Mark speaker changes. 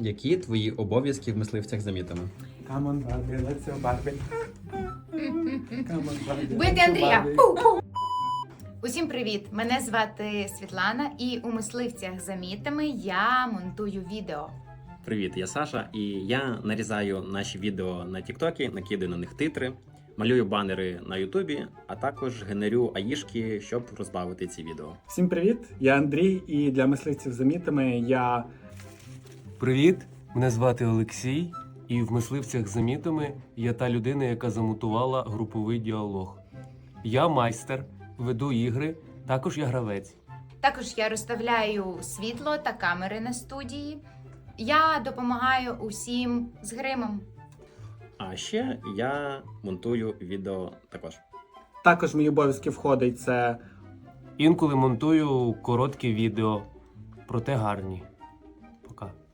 Speaker 1: Які твої обов'язки в мисливцях за мітами?
Speaker 2: Come on, Barbie, let's go, Barbie. Come on, Barbie,
Speaker 3: Бити
Speaker 2: let's go,
Speaker 3: Андрія!
Speaker 2: Barbie.
Speaker 3: Пу-пу! Усім привіт! Мене звати Світлана, і у мисливцях за мітами я монтую відео.
Speaker 1: Привіт, я Саша, і я нарізаю наші відео на Тіктокі, накидаю на них титри, малюю банери на Ютубі, а також генерю аїшки, щоб розбавити ці відео.
Speaker 2: Всім привіт, я Андрій, і для мисливців за мітами я...
Speaker 4: Привіт, мене звати Олексій, і в мисливцях за мітами я та людина, яка замонтувала груповий діалог. Я майстер, веду ігри, також я гравець.
Speaker 3: Також я розставляю світло та камери на студії. Я допомагаю усім з гримом.
Speaker 1: А ще я монтую відео також.
Speaker 2: Також в мої обов'язки входить це...
Speaker 4: Інколи монтую короткі відео, проте гарні. Пока.